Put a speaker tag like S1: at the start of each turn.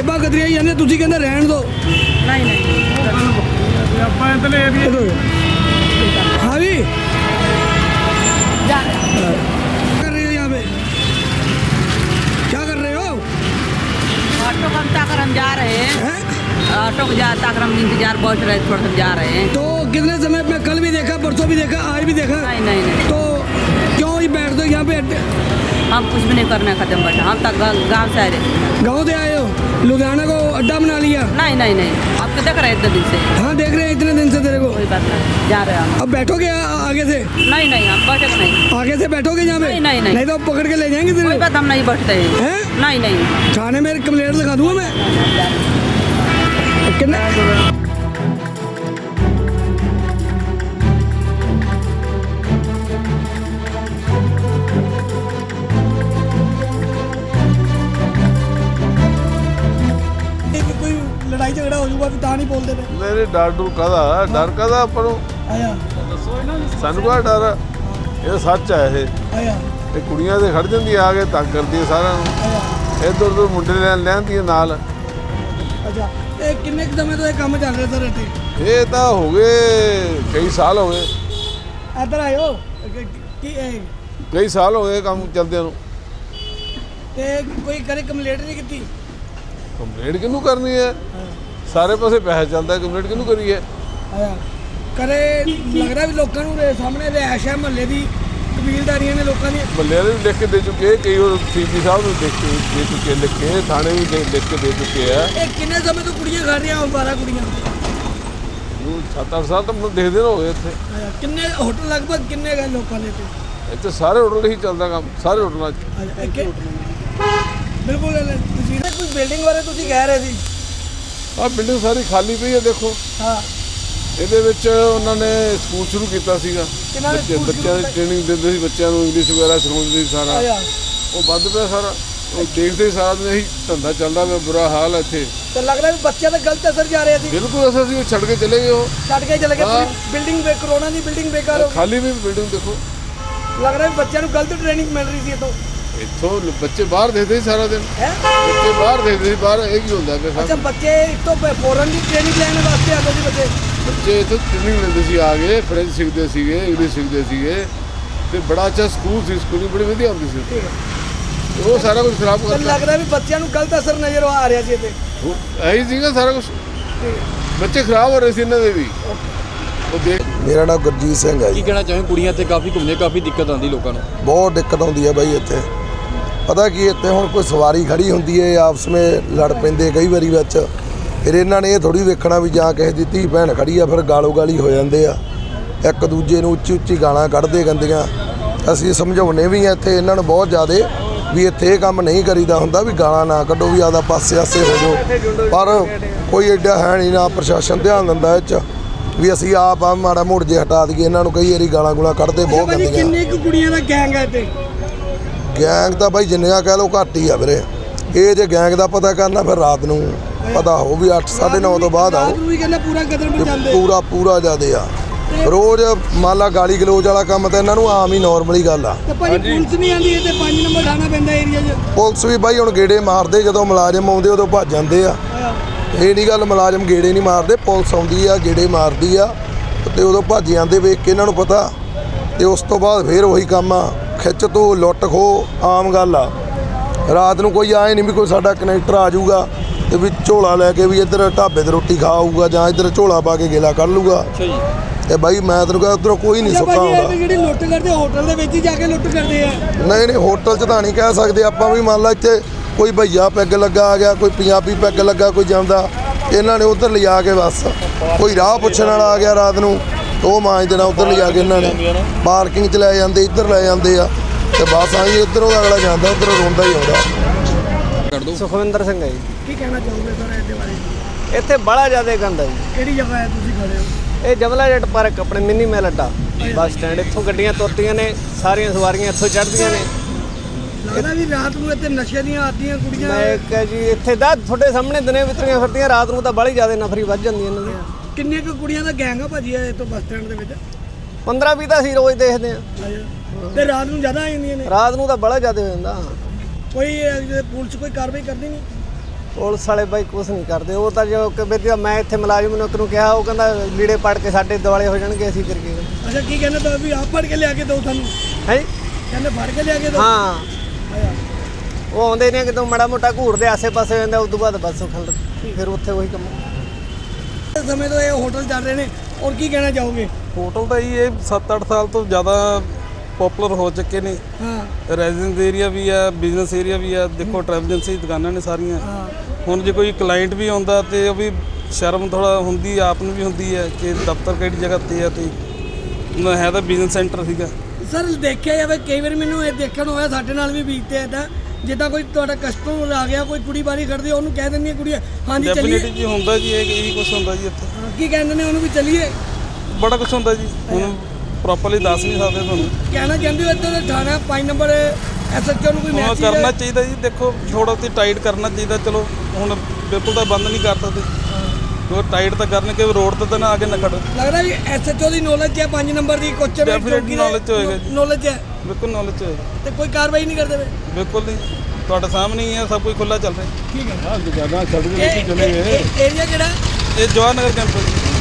S1: ਜੇਬਾਂ ਕਤਰੀਆਂ ਜਾਂਦੇ, ਤੁਸੀਂ ਕਹਿੰਦੇ ਰਹਿਣ ਦਿਓ।
S2: नहीं नहीं
S3: ਆਪਾਂ ਇਧਰਲੇ ਏਰੀਆ
S1: हाँ जी
S2: जा
S1: कर रहे हो यहाँ पे, क्या कर रहे हो?
S2: ऑटो का ताकर हम जा रहे हैं।
S1: हैं?
S2: ऑटो को जा ताकर हम इंतजार बैठ रहे थोड़ा हम जा रहे हैं।
S1: तो कितने समय में, कल भी देखा, परसों भी देखा, आज भी देखा,
S2: नहीं नहीं नहीं
S1: तो क्यों ही बैठ दो यहाँ पे?
S2: हम कुछ भी नहीं करने खत्म बैठा, हम तक गाँव से आए रहे।
S1: गाँव से आए हो, लुधियाना को अड्डा बना लिया?
S2: नहीं नहीं नहीं आपको देख रहे हैं इतने दिन से।
S1: हाँ देख रहे हैं इतने दिन से तेरे को।
S2: कोई बात नहीं, जा रहे हैं हम।
S1: अब बैठोगे आगे से?
S2: नहीं नहीं हम बैठे नहीं।
S1: आगे से बैठोगे यहाँ पे?
S2: नहीं, नहीं, नहीं।
S1: नहीं तो पकड़ के ले जाएंगे
S2: कोई
S1: तेरे
S2: बात हम नहीं बैठते हैं।
S1: हैं?
S2: नहीं नहीं
S1: थाने में कंप्लेंट लिखा दूंगा मैं। कितने कोई लड़ाई झगड़ा हो जाऊगा ਤਾਂ नहीं बोलते थे।
S4: ਮੇਰੇ ਡਰ ਕਾਹਦਾ ਆਪਾਂ ਨੂੰ
S1: आया
S4: ਸਾਨੂੰ ਕਾ ਡਰ ਆ? ਇਹ ਸੱਚ ਹੈ।
S1: आया
S4: ਇਹ ਕੁੜੀਆਂ ਦੇ ਖੜ ਜਾਂਦੀ ਆ ਕੇ ਤੰਗ ਕਰਦੀ ਆ ਸਾਰਿਆਂ ਨੂੰ,
S1: आया
S4: ਇੱਧਰ ਉੱਧਰ ਮੁੰਡੇ ਲੈਂਦੀ ਆ ਨਾਲ।
S1: अच्छा ਇਹ ਕਿੰਨੇ ਕੁ ਸਮੇਂ ਤੋਂ ਇਹ ਕੰਮ ਚੱਲ ਰਿਹਾ ਸਰ ਇੱਥੇ?
S4: ਇਹ ਤਾਂ ਹੋ ਗਏ ਕਈ ਸਾਲ ਹੋ ਗਏ,
S1: ਇੱਧਰ ਆਇਓ ਕੀ ਇਹ
S4: ਕਈ ਸਾਲ ਹੋ ਗਏ ਕੰਮ ਚੱਲਦਿਆਂ ਨੂੰ।
S1: ਤੇ ਕੋਈ ਕਰੇ ਕੰਪਲੇਂਟ ਨਹੀਂ ਕੀਤੀ?
S4: ਕੰਪਲੇਂਟ ਕਿਹਨੂੰ ਕਰਨੀ ਹੈ? ਸਾਰੇ ਪਾਸੇ ਪੈਸਾ ਚੱਲਦਾ, ਕੰਪਲੇਂਟ ਕਿਹਨੂੰ ਕਰੀਏ?
S1: ਆਇਆ ਕਰੇ ਲੱਗ ਰਿਹਾ ਵੀ ਲੋਕਾਂ ਨੂੰ ਸਾਹਮਣੇ ਰਿਹਾਇਸ਼ ਹੈ ਮਹੱਲੇ ਦੀ, ਕਬੀਲਦਾਰੀਆਂ ਨੇ ਲੋਕਾਂ ਦੀਆਂ।
S4: ਮੱਲੇ ਵਾਲੇ ਵੀ ਲਿਖ ਕੇ ਦੇ ਚੁੱਕੇ, ਕਈ ਹੋਰ ਸੀਪੀ ਸਾਹਿਬ ਨੂੰ ਦੇ ਚੁੱਕੇ ਲਿਖ ਕੇ, ਥਾਣੇ ਵੀ ਲਿਖ ਕੇ ਦੇ ਚੁੱਕੇ ਆ।
S1: ਇਹ ਕਿੰਨੇ ਸਮੇਂ ਤੋਂ ਕੁੜੀਆਂ ਖੜ ਰਹੀਆਂ? 12 ਕੁੜੀਆਂ।
S4: 7-8 ਸਾਲ ਤਾਂ ਮੈਨੂੰ ਦੇਖਦੇ ਹੋ ਗਏ ਇੱਥੇ।
S1: ਆਇਆ ਕਿੰਨੇ ਹੋਟਲ ਲਗਭਗ ਕਿੰਨੇ ਗਏ ਲੋਕਾਂ ਨੇ ਇੱਥੇ?
S4: ਇੱਥੇ ਸਾਰੇ ਹੋਟਲ ਹੀ ਚੱਲਦਾ ਕੰਮ, ਸਾਰੇ ਹੋਟਲਾਂ 'ਚ।
S1: ਆਇਆ ਬਿਲਕੁਲ ਤੁਸੀਂ ਕੋਈ ਬਿਲਡਿੰਗ ਬਾਰੇ ਤੁਸੀਂ ਕਹਿ ਰਹੇ ਸੀ?
S4: ਆਹ ਬਿਲਡਿੰਗ ਸਾਰੀ ਖਾਲੀ ਪਈ ਹੈ ਦੇਖੋ।
S1: ਹਾਂ
S4: ਇਹਦੇ ਵਿੱਚ ਉਹਨਾਂ ਨੇ ਸਕੂਲ ਸ਼ੁਰੂ ਕੀਤਾ ਸੀਗਾ,
S1: ਕਿਹਨਾਂ ਨੇ ਸਕੂਲ
S4: ਬੱਚਿਆਂ ਦੀ
S1: ਸ਼ੁਰੂ
S4: ਟ੍ਰੇਨਿੰਗ ਦਿੰਦੇ ਸੀ, ਬੱਚਿਆਂ ਨੂੰ ਇੰਗਲਿਸ਼ ਵਗੈਰਾ ਸਿਖਾਉਂਦੇ ਸੀ ਸਾਰਾ।
S1: ਆਇਆ
S4: ਉਹ ਬੰਦ ਪਿਆ ਸਾਰਾ, ਉਹ ਦੇਖਦੇ ਸਾਰਾ ਦਿਨ ਇਹੀ ਧੰਦਾ ਚੱਲਦਾ ਪਿਆ, ਬੁਰਾ ਹਾਲ ਹੈ ਇੱਥੇ।
S1: ਤੇ ਲੱਗ ਰਿਹਾ ਵੀ ਬੱਚਿਆਂ ਦਾ ਗਲਤ ਅਸਰ ਜਾ ਰਿਹਾ ਸੀ।
S4: ਬਿਲਕੁਲ ਅਸੀਂ ਉਹ ਛੱਡ ਕੇ ਚਲੇ ਗਏ, ਉਹ
S1: ਛੱਡ ਕੇ ਚਲੇ ਗਏ।
S4: ਹਾਂ।
S1: ਬਿਲਡਿੰਗ ਕਰੋਨਾ ਦੀ ਬਿਲਡਿੰਗ ਬੇਕਾਰ ਹੋ
S4: ਖਾਲੀ ਵੀ ਬਿਲਡਿੰਗ ਦੇਖੋ।
S1: ਗਈ। ਲੱਗ ਰਿਹਾ ਵੀ ਬੱਚਿਆਂ ਨੂੰ ਗਲਤ ਟ੍ਰੇਨਿੰਗ ਮਿਲ ਰਹੀ ਸੀ ਇੱਥੋਂ।
S4: ਇੱਥੋਂ ਬੱਚੇ ਬਾਹਰ ਦੇਖਦੇ ਸੀ ਸਾਰਾ ਦਿਨ,
S1: ਹੈ
S4: ਬੱਚੇ ਬਾਹਰ ਦੇਖਦੇ ਸੀ, ਬਾਹਰ ਇਹ ਕੀ ਹੁੰਦਾ ਪਿਆ
S1: ਅੱਛਾ
S4: ਸਾਰਾ।
S1: ਬੱਚੇ ਇੱਥੋਂ ਫੋਰਨ ਦੀ ਟ੍ਰੇਨਿੰਗ ਲੈਣ ਵਾਸਤੇ ਆਉਂਦੇ ਸੀ ਬੱਚੇ।
S4: ਬੱਚੇ ਇੱਥੋਂ ਟ੍ਰੇਨਿੰਗ ਲੈਂਦੇ ਸੀ, ਆ ਗਏ ਫ੍ਰੈਂਚ ਸਿੱਖਦੇ ਸੀਗੇ, ਇੰਗਲਿਸ਼ ਸਿੱਖਦੇ ਸੀਗੇ, ਤੇ ਬੜਾ ਅੱਛਾ ਸਕੂਲ ਸੀ, ਸਕੂਲਿੰਗ ਬੜੀ ਵਧੀਆ ਹੁੰਦੀ ਸੀ ਉੱਥੇ। ਤੇ ਉਹ ਸਾਰਾ ਕੁਝ ਖਰਾਬ
S1: ਤੇ
S4: ਕਰਤਾ।
S1: ਲੱਗ ਰਿਹਾ ਵੀ ਬੱਚਿਆਂ ਨੂੰ ਗਲਤ ਅਸਰ ਨਜ਼ਰ ਆ ਰਿਹਾ ਸੀ ਇੱਥੇ।
S4: ਇਹੀ ਸੀਗਾ ਸਾਰਾ ਕੁਝ, ਬੱਚੇ ਖਰਾਬ ਹੋ ਰਹੇ ਸੀ ਇਹਨਾਂ ਦੇ ਵੀ। ਉਹ ਦੇਖ
S5: ਮੇਰਾ ਨਾਮ ਗੁਰਜੀਤ ਸਿੰਘ ਹੈ
S6: ਕੀ
S5: ਜੀ।
S6: ਕਹਿਣਾ ਚਾਹੁੰਦੇ? ਕੁੜੀਆਂ ਇੱਥੇ ਕਾਫੀ ਘੁੰਮਦੇ, ਕਾਫੀ ਦਿੱਕਤ ਆਉਂਦੀ ਲੋਕਾਂ ਨੂੰ।
S5: ਬਹੁਤ ਦਿੱਕਤ ਆਉਂਦੀ ਹੈ ਬਾਈ ਇੱਥੇ। ਪਤਾ ਕੀ ਇੱਥੇ ਹੁਣ ਕੋਈ ਸਵਾਰੀ ਖੜੀ ਹੁੰਦੀ ਹੈ, ਆਪਸ ਵਿੱਚ ਲੜ ਪੈਂਦੇ ਕਈ ਵਾਰੀ ਵਿੱਚ। ਫਿਰ ਇਹਨਾਂ ਨੇ ਇਹ ਥੋੜੀ ਵੇਖਣਾ ਵੀ ਜਾਂ ਕਿਸੇ ਦੀ ਧੀ ਭੈਣ ਖੜੀ ਆ, ਫਿਰ ਗਾਲੋ ਗਾਲੀ ਹੋ ਜਾਂਦੇ ਆ, ਇੱਕ ਦੂਜੇ ਨੂੰ ਉੱਚੀ ਉੱਚੀ ਗਾਲਾਂ ਕੱਢਦੇ ਗੰਦੀਆਂ। ਅਸੀਂ ਸਮਝਾਉਣੇ ਵੀ ਆ ਇੱਥੇ ਇਹਨਾਂ ਨੂੰ ਬਹੁਤ ਜ਼ਿਆਦੇ ਵੀ ਇੱਥੇ ਇਹ ਕੰਮ ਨਹੀਂ ਕਰੀਦਾ ਹੁੰਦਾ, ਵੀ ਗਾਲਾਂ ਨਾ ਕੱਢੋ, ਵੀ ਆਪਦਾ ਪਾਸੇ ਆਸੇ ਹੋ ਜਾਓ। ਪਰ ਕੋਈ ਐਡਾ ਹੈ ਨਹੀਂ, ਨਾ ਪ੍ਰਸ਼ਾਸਨ ਧਿਆਨ ਦਿੰਦਾ ਇਹ 'ਚ ਵੀ ਅਸੀਂ ਆਪ ਆ ਮਾੜਾ ਮੋੜ ਜੇ ਹਟਾ ਦਈਏ ਇਹਨਾਂ ਨੂੰ। ਕਈ ਵਾਰੀ ਗਾਲਾਂ ਗੁਲਾਂ ਕੱਢਦੇ ਬਹੁਤ
S1: ਭਾਜੀ
S5: ਗੰਦੀਆਂ।
S1: ਕਿੰਨੇ ਕੁ ਕੁੜੀਆਂ ਦਾ ਗੈਂਗ ਹੈ ਇੱਥੇ?
S5: ਗੈਂਗ ਤਾਂ ਬਾਈ ਜਿੰਨੀਆਂ ਕਹਿ ਲਓ ਘੱਟ ਹੀ ਆ ਵੀਰੇ। ਇਹ ਜੇ ਗੈਂਗ ਦਾ ਪਤਾ ਕਰਨਾ ਫਿਰ ਰਾਤ ਨੂੰ ਪਤਾ ਹੋ ਵੀ 8-9:30 ਤੋਂ ਬਾਅਦ ਆਓ।
S1: ਰਾਤ ਨੂੰ ਵੀ ਕਹਿੰਦਾ ਪੂਰਾ ਕਦਰ
S5: ਤੇ
S1: ਮਚਾਉਂਦੇ।
S5: ਪੂਰਾ ਜ਼ਿਆਦੇ ਆ। ਰੋਜ਼ ਮੰਨ ਲਾ ਗਾਲੀ ਗਲੋਚ ਵਾਲਾ ਕੰਮ ਤਾਂ ਇਹਨਾਂ ਨੂੰ ਆਮ ਹੀ ਨਾਰਮਲੀ ਗੱਲ ਆ।
S1: ਤੇ ਭਾਜੀ ਪੁਲਿਸ ਨਹੀਂ ਆਉਂਦੀ ਇੱਥੇ? 5 ਨੰਬਰ ਥਾਣਾ ਪੈਂਦਾ ਏਰੀਆ 'ਚ।
S5: ਪੁਲਿਸ ਵੀ ਬਾਈ ਹੁਣ ਗੇੜੇ ਮਾਰਦੇ, ਜਦੋਂ ਮੁਲਾਜ਼ਮ ਆਉਂਦੇ ਉਦੋਂ ਭੱਜ ਜਾਂਦੇ ਆ। ਇਹ ਨਹੀਂ ਗੱਲ ਮੁਲਾਜ਼ਮ ਗੇੜੇ ਨਹੀਂ ਮਾਰਦੇ, ਪੁਲਿਸ ਆਉਂਦੀ ਆ ਗੇੜੇ ਮਾਰਦੀ ਆ ਤੇ ਉਦੋਂ ਭੱਜ ਜਾਂਦੇ ਵੇਖ ਕੇ ਇਹਨਾਂ ਨੂੰ ਪਤਾ। ਤੇ ਉਸ ਤੋਂ ਬਾਅਦ ਫਿਰ ਉਹੀ ਕੰਮ ਆ, ਖਿੱਚ ਤੋਂ ਲੁੱਟ ਖੋ ਆਮ ਗੱਲ ਆ। ਰਾਤ ਨੂੰ ਕੋਈ ਆਏ ਨਹੀਂ ਵੀ ਕੋਈ ਸਾਡਾ ਕਨੈਕਟਰ ਆ ਜਾਊਗਾ ਤੇ ਵੀ ਝੋਲਾ ਲੈ ਕੇ ਵੀ ਇੱਧਰ ਢਾਬੇ 'ਤੇ ਰੋਟੀ ਖਾ ਆਊਗਾ ਜਾਂ ਇੱਧਰ ਝੋਲਾ ਪਾ ਕੇ ਗੇਲਾ ਕੱਢ ਲੂਗਾ।
S6: ਅੱਛਾ ਜੀ।
S5: ਤੇ ਬਾਈ ਮੈਂ ਤੈਨੂੰ ਕਹਿੰਦਾ ਉੱਧਰੋਂ ਕੋਈ ਨਹੀਂ ਸੁੱਕਾ
S1: ਭਾਜੀ
S5: ਆਉਂਦਾ।
S1: ਇਹ ਜਿਹੜੀ ਲੁੱਟ ਕਰਦੇ ਹੋਟਲ ਦੇ ਵਿੱਚ ਹੀ ਜਾ ਕੇ ਲੁੱਟ ਕਰਦੇ ਆ।
S5: ਨਹੀਂ ਹੋਟਲ 'ਚ ਤਾਂ ਨਹੀਂ ਕਹਿ ਸਕਦੇ ਆਪਾਂ ਵੀ। ਮੰਨ ਲਾ ਇੱਥੇ ਕੋਈ ਭਈਆ ਪੈਗ ਲੱਗਾ ਆ ਗਿਆ, ਕੋਈ ਪੰਜਾਬੀ ਪੈਗ ਲੱਗਾ ਕੋਈ ਜਾਂਦਾ, ਇਹਨਾਂ ਨੇ ਉੱਧਰ ਲਿਜਾ ਕੇ ਬਸ ਕੋਈ ਰਾਹ ਪੁੱਛਣ ਵਾਲਾ ਆ ਗਿਆ ਰਾਤ ਨੂੰ, ਉਹ ਮਾਂਜ ਦੇਣਾ ਉੱਧਰ ਲਿਜਾ ਕੇ। ਇਹਨਾਂ ਨੇ ਪਾਰਕਿੰਗ 'ਚ ਲੈ ਜਾਂਦੇ, ਇੱਧਰ ਲੈ ਜਾਂਦੇ ਆ ਤੇ ਬਸ ਆਈ ਇੱਧਰੋਂ ਅਗਲਾ ਜਾਂਦਾ, ਉੱਧਰੋਂ ਰੋਂਦਾ ਹੀ ਆਉਂਦਾ।
S6: ਕਰ ਦੋ।
S7: ਸੁਖਵਿੰਦਰ ਸਿੰਘ ਹੈ ਜੀ।
S1: ਕੀ ਕਹਿਣਾ ਚਾਹੋਗੇ ਸਰ ਇਹਦੇ ਬਾਰੇ?
S7: ਇੱਥੇ ਬੜਾ ਜ਼ਿਆਦਾ ਗੰਦ ਹੈ ਜੀ।
S1: ਕਿਹੜੀ ਜਗ੍ਹਾ ਹੈ ਤੁਸੀਂ ਖੜੇ ਹੋ?
S7: ਇਹ ਜਮਲਾ ਜੱਟ ਪਾਰਕ ਆਪਣੇ ਮਿੰਨੀ ਮੈਲ ਅੱਡਾ ਬੱਸ ਸਟੈਂਡ। ਇੱਥੋਂ ਗੱਡੀਆਂ ਤੁਰਦੀਆਂ ਨੇ, ਸਾਰੀਆਂ ਸਵਾਰੀਆਂ ਇੱਥੋਂ ਚੜ੍ਹਦੀਆਂ ਨੇ।
S1: ਲੱਗਦਾ ਵੀ ਰਾਤ ਨੂੰ ਇੱਥੇ ਨਸ਼ੇ ਦੀਆਂ ਆਦੀਆਂ ਕੁੜੀਆਂ।
S7: ਮੈਂ ਕਹਾਂ ਜੀ ਇੱਥੇ ਦਾ ਤੁਹਾਡੇ ਸਾਹਮਣੇ ਦਿਨੇ ਵਿਤਰੀਆਂ ਫਿਰਦੀਆਂ, ਰਾਤ ਨੂੰ ਤਾਂ ਬੜੀ ਜ਼ਿਆਦਾ ਨਫਰੀ ਵੱਧ ਜਾਂਦੀ ਇਹਨਾਂ ਦੀ।
S1: ਕਿੰਨੇ ਕੁ ਕੁੜੀਆਂ ਦਾ ਗੈਂਗ ਆ ਭਾਜੀ ਇਹ ਤੋਂ ਬੱਸ ਸਟੈਂਡ ਦੇ ਵਿੱਚ?
S7: 15-20 ਤਾਂ ਅਸੀਂ ਰੋਜ਼ ਦੇਖਦੇ ਆ।
S1: ਤੇ ਰਾਤ ਨੂੰ ਜ਼ਿਆਦਾ ਆ ਜਾਂਦੀਆਂ ਨੇ?
S7: ਰਾਤ ਨੂੰ ਤਾਂ ਬੜਾ ਜ਼ਿਆਦਾ ਹੋ ਜਾਂਦਾ।
S1: ਕੋਈ ਪੁਲਿਸ ਕੋਈ ਕਾਰਵਾਈ ਕਰਦੀ ਨਹੀਂ?
S7: ਪੁਲਿਸ ਵਾਲੇ ਬਾਈ ਕੁਝ ਨਹੀਂ ਕਰਦੇ। ਉਹ ਤਾਂ ਜੋ ਕਿ ਵੀ ਮੈਂ ਇੱਥੇ ਮੁਲਾਜ਼ਮ ਨੂੰ ਕਿਹਾ, ਉਹ ਕਹਿੰਦਾ ਲੀੜੇ ਪੜ ਕੇ ਸਾਡੇ ਦੁਆਲੇ ਹੋ ਜਾਣਗੇ, ਅਸੀਂ ਕਰਕੇ।
S1: ਅੱਛਾ ਕੀ ਕਹਿੰਦੇ ਤਾਂ ਵੀ ਆਪ ਫੜ ਕੇ ਲਿਆ ਕੇ ਦਿਓ ਤੁਹਾਨੂੰ?
S7: ਹੈ
S1: ਕਹਿੰਦੇ ਫੜ ਕੇ ਲਿਆ ਕੇ ਦਿਓ?
S7: ਹਾਂ,
S1: ਅੱਛਾ।
S7: ਉਹ ਆਉਂਦੇ ਨੇ ਕਿਤੋਂ ਮਾੜਾ ਮੋਟਾ ਘੂਰਦੇ ਆਸੇ ਪਾਸੇ ਹੋ ਜਾਂਦਾ, ਉਸ ਤੋਂ ਬਾਅਦ ਬਸ ਫਿਰ ਉੱਥੇ ਉਹੀ ਕੰਮ।
S1: ਇਸ ਸਮੇਂ ਤੋਂ ਇਹ ਹੋਟਲ ਚੱਲ ਰਹੇ ਨੇ, ਔਰ ਕੀ ਕਹਿਣਾ ਚਾਹੋਗੇ?
S3: ਹੋਟਲ ਤਾਂ ਇਹ 7-8 ਸਾਲ ਤੋਂ ਜ਼ਿਆਦਾ ਪਪੂਲਰ ਹੋ ਚੁੱਕੇ ਨੇ।
S1: ਹਾਂ
S3: ਰੈਜ਼ੀਡੈਂਸ ਏਰੀਆ ਵੀ ਆ, ਬਿਜ਼ਨਸ ਏਰੀਆ ਵੀ ਆ, ਦੇਖੋ ਟਰੈਵਲ ਏਜੰਸੀ ਦੁਕਾਨਾਂ ਨੇ ਸਾਰੀਆਂ।
S1: ਹਾਂ
S3: ਹੁਣ ਜੇ ਕੋਈ ਕਲਾਇੰਟ ਵੀ ਆਉਂਦਾ ਤੇ ਉਹ ਵੀ ਸ਼ਰਮ ਥੋੜਾ ਹੁੰਦੀ, ਆਪ ਨੂੰ ਵੀ ਹੁੰਦੀ ਹੈ ਕਿ ਦਫ਼ਤਰ ਕਿਹੜੀ ਜਗ੍ਹਾ ਤੇ ਆ, ਤੇ ਹੈ ਤਾਂ ਬਿਜ਼ਨਸ ਸੈਂਟਰ ਸੀਗਾ।
S1: ਸਰ ਦੇਖਿਆ ਜਾਵੇ ਕਈ ਵਾਰ ਮੈਨੂੰ ਇਹ ਦੇਖਣ ਹੋਇਆ, ਸਾਡੇ ਨਾਲ ਵੀ ਬੀਤਦੇ ਇੱਦਾਂ, ਜਿੱਦਾਂ ਕੋਈ ਤੁਹਾਡਾ ਕਸਟਮਰ ਆ ਗਿਆ, ਕੋਈ ਕੁੜੀ ਬਾਰੀ ਖੜਦੀ, ਉਹਨੂੰ ਕਹਿ ਦਿੰਦੀਆਂ ਕੁੜੀਆਂ ਹਾਂਜੀ ਚੱਲੀਏ।
S3: ਡੈਫੀਨਿਟਲੀ ਜੀ ਹੁੰਦਾ ਜੀ, ਇਹੀ ਕੁਝ ਹੁੰਦਾ ਜੀ ਇੱਥੇ।
S1: ਹਾਂ, ਕੀ ਕਹਿੰਦੇ ਨੇ ਉਹਨੂੰ ਵੀ ਚੱਲੀਏ?
S3: ਬੜਾ ਕੁਝ ਹੁੰਦਾ ਜੀ, ਹੁਣ ਪ੍ਰੋਪਰਲੀ ਦੱਸ ਨਹੀਂ ਸਕਦੇ ਤੁਹਾਨੂੰ।
S1: ਕਹਿਣਾ ਚਾਹੁੰਦੇ ਹੋ ਇੱਥੇ ਦੇ ਥਾਣਾ 5 ਨੰਬਰ SHO ਨੂੰ ਕੋਈ
S3: ਹੁਣ
S1: ਮੈਸੇਜ
S3: ਕਰਨਾ ਚਾਹੀਦਾ ਜੀ, ਦੇਖੋ ਥੋੜਾ ਤੇ ਟਾਈਟ ਕਰਨਾ ਚਾਹੀਦਾ। ਚਲੋ ਹੁਣ ਬਿਲਕੁਲ ਤਾਂ ਬੰਦ ਨਹੀਂ ਕਰ ਸਕਦੇ, ਕਿਉਂਕਿ ਟਾਈਟ ਤਾਂ ਕਰਨ ਕਿ ਰੋਡ ਤੇ ਤਾਂ ਨਾ ਆ ਕੇ ਨਾ ਖੜੋ।
S1: ਲੱਗਦਾ ਵੀ SHO ਦੀ ਨੌਲੇਜ ਹੈ 5 ਨੰਬਰ ਦੀ ਕੁਐਸਚਨ
S3: Definitely knowledge ਹੋਏਗਾ ਜੀ।
S1: ਨੌਲੇਜ ਹੈ
S3: ਬਿਲਕੁਲ ਨੌਲੇਜ ਹੋਏ,
S1: ਤੇ ਕੋਈ ਕਾਰਵਾਈ ਨਹੀਂ ਕਰਦੇ ਵੇ?
S3: ਬਿਲਕੁਲ ਨਹੀਂ, ਤੁਹਾਡੇ ਸਾਹਮਣੇ ਹੀ ਹੈ, ਸਭ ਕੁਝ ਖੁੱਲਾ ਚੱਲ ਰਿਹਾ।
S1: ਠੀਕ ਹੈ।
S4: ਹਾਂ ਦੁਕਾਨਾਂ ਛੱਡ ਕੇ ਲੋਕੀ ਚਲੇ ਗਏ।
S1: ਏਰੀਆ ਕਿਹੜਾ?
S3: ਇਹ ਜਵਾਹਰ ਨਗਰ ਕੈਂਪਸ